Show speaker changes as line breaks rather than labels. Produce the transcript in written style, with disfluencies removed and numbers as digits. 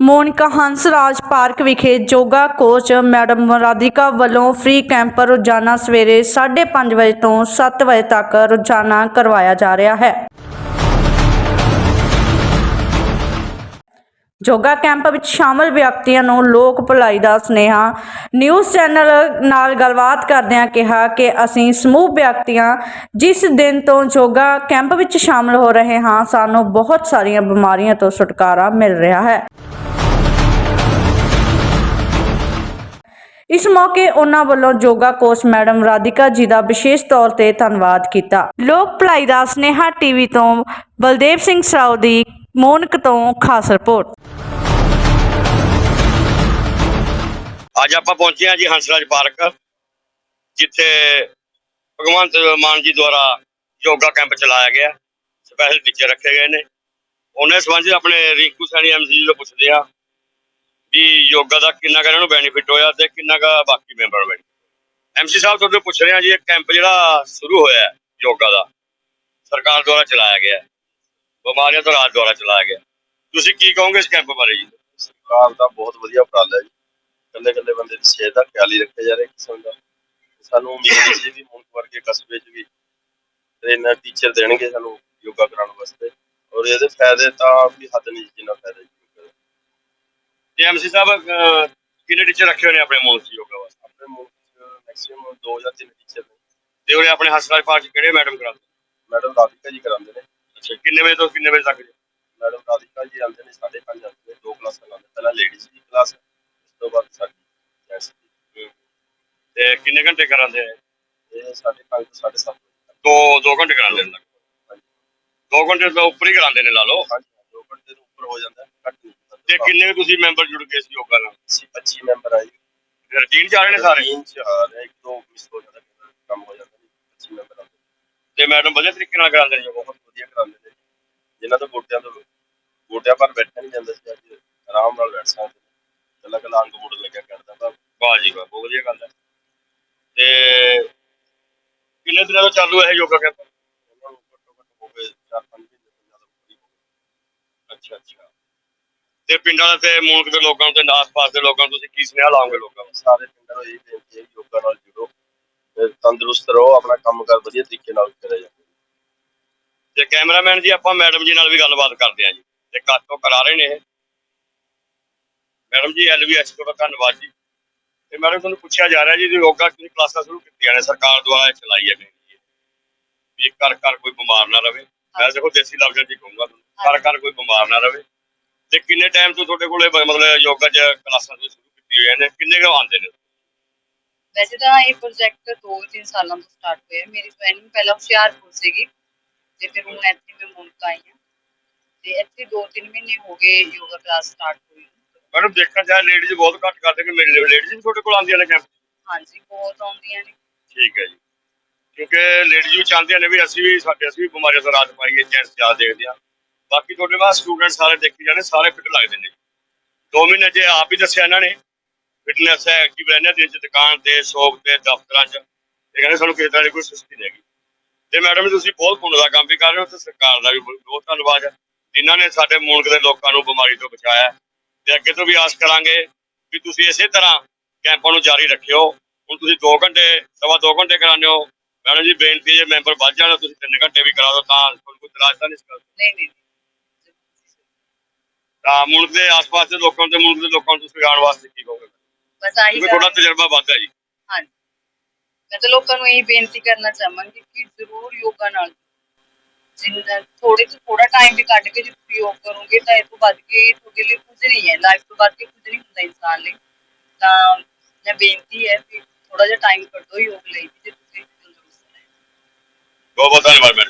Monika Hansraj park ਵਿਖੇ yoga coach madam Radhika ਵੱਲੋਂ free camp ਰੋਜ਼ਾਨਾ ਸਵੇਰੇ 5:30 ਵਜੇ ਤੋਂ 7 ਵਜੇ ਤੱਕ ਰੋਜ਼ਾਨਾ ਕਰਵਾਇਆ ਜਾ ਰਿਹਾ ਹੈ। ਯੋਗਾ ਕੈਂਪ ਵਿੱਚ ਸ਼ਾਮਲ ਵਿਅਕਤੀਆਂ ਨੂੰ ਲੋਕ ਭਲਾਈ ਦਾ ਸੁਨੇਹਾ। ਨਿਊਜ਼ ਚੈਨਲ ਨਾਲ ਗੱਲਬਾਤ ਕਰਦਿਆਂ ਕਿਹਾ ਕਿ ਅਸੀਂ ਸਮੂਹ ਵਿਅਕਤੀਆਂ ਜਿਸ ਦਿਨ ਤੋਂ ਯੋਗਾ ਕੈਂਪ ਵਿੱਚ ਸ਼ਾਮਲ ਹੋ ਰਹੇ ਹਾਂ, ਸਾਨੂੰ ਬਹੁਤ ਸਾਰੀਆਂ ਬਿਮਾਰੀਆਂ ਤੋਂ ਛੁਟਕਾਰਾ ਮਿਲ ਰਿਹਾ ਹੈ। ਇਸ ਮੌਕੇ ਉਹਨਾਂ ਵੱਲੋਂ ਯੋਗਾ ਕੋਚ ਮੈਡਮ ਰਾਧਿਕਾ ਜੀ ਦਾ ਵਿਸ਼ੇਸ਼ ਤੌਰ ਤੇ ਧੰਨਵਾਦ ਕੀਤਾ। ਲੋਕ ਭਲਾਈ ਦਾ ਸੁਨੇਹਾ ਟੀਵੀ ਤੋਂ ਬਲਦੇਵ ਸਿੰਘ ਸਰਾਓ ਦੀ ਮੋਨਕ ਤੋਂ ਖਾਸ ਰਿਪੋਰਟ।
ਅੱਜ ਆਪਾਂ ਪਹੁੰਚੇ ਹਾਂ ਜੀ ਹੰਸਰਾਜ ਪਾਰਕ, ਜਿੱਥੇ ਭਗਵੰਤ ਮਾਨ ਜੀ ਦੁਆਰਾ ਯੋਗਾ ਕੈਂਪ ਚਲਾਇਆ ਗਿਆ। ਸਪੈਸ਼ਲ ਟੀਚਰ ਰੱਖੇ ਗਏ ਨੇ। ਉਹਨਾਂ ਸੰਬੰਧ ਆਪਣੇ ਰਿੰਕੂ ਸੈਣੀ MC ਤੋਂ ਪੁੱਛਦੇ ਆ ਵੀ ਯੋਗਾ ਦਾ ਕਿੰਨਾ ਕੁ ਇਹਨਾਂ ਨੂੰ ਬੈਨੀਫਿਟ ਹੋਇਆ ਤੇ ਕਿੰਨਾ ਕੁ ਬਾਕੀ ਮੈਂਬਰਾਂ ਨੂੰ ਬੈਨੀਫਿਟ। MC ਸਾਹਿਬ ਤੁਹਾਡੇ ਪੁੱਛ ਰਹੇ ਆ ਜੀ, ਇਹ ਕੈਂਪ ਜਿਹੜਾ ਸ਼ੁਰੂ ਹੋਇਆ ਯੋਗਾ ਦਾ ਸਰਕਾਰ ਦੁਆਰਾ ਚਲਾਇਆ ਗਿਆ, ਬਿਮਾਰੀਆਂ ਤੋਂ ਰਾਜ ਦੁਆਰਾ ਚਲਾਇਆ ਗਿਆ, ਤੁਸੀਂ ਕੀ ਕਹੋਗੇ ਇਸ ਕੈਂਪ ਬਾਰੇ ਜੀ?
ਸਰਕਾਰ ਦਾ ਬਹੁਤ ਵਧੀਆ ਉਪਰਾਲਾ ਹੈ ਜੀ। ਕੱਲੇ ਬੰਦੇ ਦੀ ਸਿਹਤ ਦਾ ਖਿਆਲ ਹੀ ਰੱਖਿਆ ਜਾ ਰਿਹਾ ਕਿਸਮ ਦਾ। ਸਾਨੂੰ ਉਮੀਦ ਸੀ ਵੀ ਮੁਲਕ ਵਰਗੇ ਕਸਬੇ 'ਚ ਵੀ ਟ੍ਰੇਨਰ ਟੀਚਰ ਦੇਣਗੇ ਸਾਨੂੰ ਯੋਗਾ ਕਰਾਉਣ ਵਾਸਤੇ, ਔਰ ਇਹਦੇ ਫਾਇਦੇ ਤਾਂ ਵੀ ਹੱਦ ਨਹੀਂ ਜਿੰਨਾ ਫਾਇਦਾ ਯੋਗਾ ਦਾ।
ਤੇ MC ਸਾਹਿਬ ਕਿੰਨੇ ਟੀਚਰ ਰੱਖੇ ਹੋਏ ਨੇ ਆਪਣੇ ਮੁਲਕ 'ਚ ਯੋਗਾ ਵਾਸਤੇ?
ਆਪਣੇ ਮੁਲਕ 'ਚ ਮੈਕਸਿਮਮ 2 ਜਾਂ 3 ਟੀਚਰ ਨੇ।
ਤੇ ਉਹਨੇ ਆਪਣੇ ਹੰਸਰਾਜ ਪਾਰਕ 'ਚ ਕਿਹੜੇ ਮੈਡਮ ਕਰਾਉਂਦੇ?
ਮੈਡਮ ਰਾਧਿਕਾ ਜੀ ਕਰਾਉਂਦੇ ਨੇ।
ਅੱਛਾ, ਕਿੰਨੇ ਵਜੇ ਤੋਂ ਕਿੰਨੇ ਵਜੇ ਤੱਕ ਜੀ?
ਮੈਡਮ ਰਾਧਿਕਾ ਜੀ ਆਉਂਦੇ ਨੇ 5:30 ਆਉਂਦੇ ਨੇ, 2 ਕਲਾਸਾਂ ਲਾਉਂਦੇ। ਪਹਿਲਾਂ ਲੇਡੀਜ਼ ਦੀ ਕਲਾਸ, ਉਸ ਤੋਂ ਬਾਅਦ ਸਾਡੀ ਜੈਂਟਸ ਦੀ।
ਤੇ ਕਿੰਨੇ ਘੰਟੇ ਕਰਾਉਂਦੇ ਆ?
ਇਹ 5:30 ਤੋਂ 7:30
ਦੋ ਘੰਟੇ ਕਰਾਉਂਦੇ ਨੇ। 2 ਘੰਟੇ ਤੋਂ ਉੱਪਰ ਹੀ ਕਰਾਉਂਦੇ ਨੇ ਲਾ ਲਓ।
2 ਘੰਟੇ ਤੋਂ ਉੱਪਰ ਹੋ ਜਾਂਦਾ, ਘੱਟ ਨਹੀਂ ਹੁੰਦਾ।
ਤੇ ਕਿੰਨੇ ਤੁਸੀਂ ਮੈਂਬਰ ਜੁੜ ਗਏ ਇਸ ਯੋਗਾ ਨਾਲ?
25 ਮੈਂਬਰ ਆ ਜੀ।
ਰੂਟੀਨ ਚ ਆ ਰਹੇ ਨੇ ਸਾਰੇ?
ਰੂਟੀਨ 'ਚ ਆ ਰਹੇ, 1-2 ਮਿਸ ਹੋ ਜਾਂਦਾ, ਕੰਮ ਹੋ ਜਾਂਦਾ। 25 ਮੈਂਬਰ ਆਉਂਦੇ
ਤੇ ਮੈਡਮ ਵਧੀਆ ਤਰੀਕੇ ਨਾਲ ਕਰਾਉਂਦੇ ਨੇ ਯੋਗਾ?
ਬਹੁਤ ਵਧੀਆ ਕਰਾਉਂਦੇ ਨੇ। ਜਿਨ੍ਹਾਂ ਤੋਂ ਗੋਡਿਆਂ ਪਰ ਬੈਠਿਆ ਨਹੀਂ ਜਾਂਦਾ ਸੀ, ਅੱਜ ਆਰਾਮ ਨਾਲ ਬੈਠ ਸਕਦੇ ਨੇ। ਕੱਲਾ ਅੰਗ ਮੋੜ ਲੱਗਿਆ ਕਰਦਾ ਤਾਂ।
ਵਾਹ ਜੀ ਵਾਹ, ਬਹੁਤ ਵਧੀਆ ਗੱਲ ਹੈ। ਤੇ ਕਿੰਨੇ ਦਿਨਾਂ ਤੋਂ ਚਾਲੂ ਹੈ ਇਹ ਯੋਗਾ ਕੈਂਪ?
ਉਹਨਾਂ ਨੂੰ ਘੱਟੋ-ਘੱਟ ਹੋ ਗਏ 4-5 ਮਹੀਨੇ ਤੋਂ ਜ਼ਿਆਦਾ ਹੋ ਗਏ।
ਅੱਛਾ ਅੱਛਾ। ਤੇ ਪਿੰਡਾਂ ਦੇ ਤੇ ਮੁਲਕ ਦੇ ਲੋਕਾਂ ਨੂੰ ਤੇ ਆਸ-ਪਾਸ ਦੇ ਲੋਕਾਂ ਨੂੰ ਤੁਸੀਂ ਕੀ ਸੁਨੇਹਾ ਲਾਓਗੇ ਲੋਕਾਂ ਨੂੰ?
ਸਾਰੇ ਪਿੰਡਾਂ ਨੂੰ ਇਹ ਬੇਨਤੀ ਹੈ ਯੋਗਾ ਨਾਲ ਜੁੜੋ, ਤੰਦਰੁਸਤ ਰਹੋ, ਆਪਣਾ ਕੰਮ ਕਾਰ ਵਧੀਆ ਤਰੀਕੇ ਨਾਲ ਕਰਿਆ ਜਾਵੇ।
ਤੇ ਕੈਮਰਾਮੈਨ ਜੀ, ਆਪਾਂ ਮੈਡਮ ਜੀ ਨਾਲ ਵੀ ਗੱਲਬਾਤ ਕਰਦੇ ਹਾਂ ਜੀ, ਤੇ ਕਾਤੋਂ ਕਰਾ ਰਹੇ ਨੇ ਇਹ ਮੈਡਮ ਜੀ। LVS ਤੁਹਾਡਾ ਧੰਨਵਾਦ ਜੀ। ਤੇ ਮੈਡਮ ਤੁਹਾਨੂੰ ਪੁੱਛਿਆ ਜਾ ਰਿਹਾ ਜੀ, ਯੋਗਾ ਦੀ ਕਲਾਸਾਂ ਸ਼ੁਰੂ ਕੀਤੀਆਂ ਨੇ ਸਰਕਾਰ ਦੁਆਰਾ ਚਲਾਈ ਹੈ ਵੀ ਘਰ ਕੋਈ ਬਿਮਾਰ ਨਾ ਰਹੇ। ਮੈਂ ਦੇਖੋ ਦੇਸੀ ਲਫ਼ਜ਼ਾਂ 'ਚ ਹੀ ਕਹੂੰਗਾ ਤੁਹਾਨੂੰ, ਘਰ ਕੋਈ ਬਿਮਾਰ ਨਾ ਰਹੇ। ਤੇ ਕਿੰਨੇ ਟਾਈਮ ਤੋਂ ਤੁਹਾਡੇ ਕੋਲੇ ਮਤਲਬ ਯੋਗਾ 'ਚ ਕਲਾਸਾਂ ਸ਼ੁਰੂ ਕੀਤੀ ਹੋਈਆਂ ਨੇ? ਕਿੰਨੇ ਕੁ ਆਉਂਦੇ ਨੇ?
ਵੈਸੇ ਤਾਂ ਇਹ ਪ੍ਰੋਜੈਕਟ 2-3 ਸਾਲਾਂ ਤੋਂ ਸਟਾਰਟ ਹੋਇਆ। ਮੇਰੀ ਜੁਆਇਨਿੰਗ ਪਹਿਲਾਂ ਹੁਸ਼ਿਆਰਪੁਰ ਸੀਗੀ ਤੇ ਫਿਰ ਹੁਣ ਇੱਥੇ ਮੈਂ ਮੁਲਕ ਆਈ ਹਾਂ ਤੇ ਇੱਥੇ 2-3 ਮਹੀਨੇ ਹੋ ਗਏ ਯੋਗਾ ਕਲਾਸ ਸਟਾਰਟ ਹੋਈ।
ਮੈਡਮ ਦੇਖਣ ਜਾਏ ਲੇਡੀਜ਼ ਬਹੁਤ ਘੱਟ ਕਰਦੇ ਕਿ ਮੇਰੇ ਲੇਡੀਜ਼ ਵੀ ਤੁਹਾਡੇ ਕੋਲ ਆਉਂਦੀਆਂ ਨੇ ਕੈਂਪ?
ਹਾਂਜੀ, ਬਹੁਤ ਆਉਂਦੀਆਂ ਨੇ।
ਠੀਕ ਹੈ ਜੀ, ਕਿਉਂਕਿ ਲੇਡੀਜ਼ ਵੀ ਚਾਹੁੰਦੀਆਂ ਨੇ ਵੀ ਅਸੀਂ ਵੀ ਬਿਮਾਰੀਆਂ ਤੋਂ ਰਾਹਤ ਪਾਈਏ। ਜੈਂਟਸ ਜ਼ਿਆਦਾ ਦੇਖਦੇ ਆ। ਬਾਕੀ ਤੁਹਾਡੇ ਬਾਅਦ ਸਟੂਡੈਂਟ ਸਾਰੇ ਦੇਖੀ ਜਾਣੇ, ਸਾਰੇ ਫਿੱਟ ਲੱਗਦੇ ਨੇ। 2 ਮਹੀਨੇ ਜੇ ਆਪ ਹੀ ਦੱਸਿਆ ਇਹਨਾਂ ਨੇ ਫਿਟਨੈਸ ਹੈ, ਐਕਟਿਵ ਰਹਿੰਦੇ ਦਿਨ 'ਚ, ਦੁਕਾਨ ਤੇ, ਸ਼ੌਪ ਤੇ, ਦਫ਼ਤਰਾਂ 'ਚ। ਇਹ ਕਹਿੰਦੇ ਸਾਨੂੰ ਕਿਸੇ ਤਰ੍ਹਾਂ ਦੀ ਕੋਈ ਸੁਸਤੀ ਨਹੀਂ ਹੈਗੀ। ਤੇ ਮੈਡਮ ਤੁਸੀਂ ਬਹੁਤ ਪੁੰਨ ਦਾ ਕੰਮ ਵੀ ਕਰ ਰਹੇ ਹੋ ਤੇ ਸਰਕਾਰ ਦਾ ਵੀ ਬਹੁਤ ਧੰਨਵਾਦ ਹੈ, ਜਿਨ੍ਹਾਂ ਨੇ ਸਾਡੇ ਮੁਲਕ ਦੇ ਲੋਕਾਂ ਨੂੰ ਬਿਮਾਰੀ ਤੋਂ ਬਚਾਇਆ। ਤੇ ਅੱਗੇ ਤੋਂ ਵੀ ਆਸ ਕਰਾਂਗੇ ਵੀ ਤੁਸੀਂ ਇਸੇ ਤਰ੍ਹਾਂ ਕੈਂਪਾਂ ਨੂੰ ਜਾਰੀ ਰੱਖਿਓ। ਹੁਣ ਤੁਸੀਂ 2 ਘੰਟੇ, 2.25 ਘੰਟੇ ਕਰਾਉਂਦੇ ਹੋ। ਮੈਡਮ ਜੀ ਬੇਨਤੀ ਹੈ, ਜੇ ਮੈਂਬਰ ਵੱਧ ਜਾਣ ਤੁਸੀਂ 3 ਘੰਟੇ ਵੀ ਕਰਾ ਦਿਓ, ਤਾਂ ਕੋਈ ਇਤਰਾਜ਼ ਤਾਂ ਨਹੀਂ?
ਨਹੀਂ।
ਤਾਂ ਮੁਲਕ ਦੇ ਆਸ-ਪਾਸ ਦੇ ਲੋਕਾਂ ਤੇ ਮੁਲਕ ਦੇ ਲੋਕਾਂ ਨੂੰ ਤੁਸੀਂ ਆਉਣ ਵਾਸਤੇ ਕੀ ਕਹੋਗੇ?
ਬਸ ਆਹੀ
ਥੋੜਾ ਤਜਰਬਾ ਵੱਧ ਹੈ ਜੀ।
ਹਾਂਜੀ, ਮੈਂ ਤਾਂ ਲੋਕਾਂ ਨੂੰ ਇਹ ਬੇਨਤੀ ਕਰਨਾ ਚਾਹਾਂਗੀ ਕਿ ਜ਼ਰੂਰ ਯੋਗਾ ਨਾਲ ਜਿੰਨਾ ਥੋੜੇ ਤੋਂ ਥੋੜਾ ਟਾਈਮ ਵੀ ਕੱਢ ਕੇ ਜੇ ਤੁਸੀਂ ਯੋਗ ਕਰੋਗੇ ਤਾਂ ਇਹ ਤੋਂ ਵੱਧ ਕੇ ਤੁਹਾਡੇ ਲਈ ਕੁਝ ਨਹੀਂ ਹੈ। ਲਾਈਫ ਤੋਂ ਵੱਧ ਕੇ ਕੁਝ ਨਹੀਂ ਹੁੰਦਾ ਇਨਸਾਨ ਲਈ। ਤਾਂ ਮੈਂ ਬੇਨਤੀ ਹੈ ਕਿ ਥੋੜਾ ਜਿਹਾ ਟਾਈਮ ਕੱਢੋ ਯੋਗ ਲਈ, ਜੇ ਤੁਸੀਂ ਤੰਦਰੁਸਤ ਰਹਿਣਾ।
ਬਹੁਤ ਬਹੁਤ ਧੰਨਵਾਦ।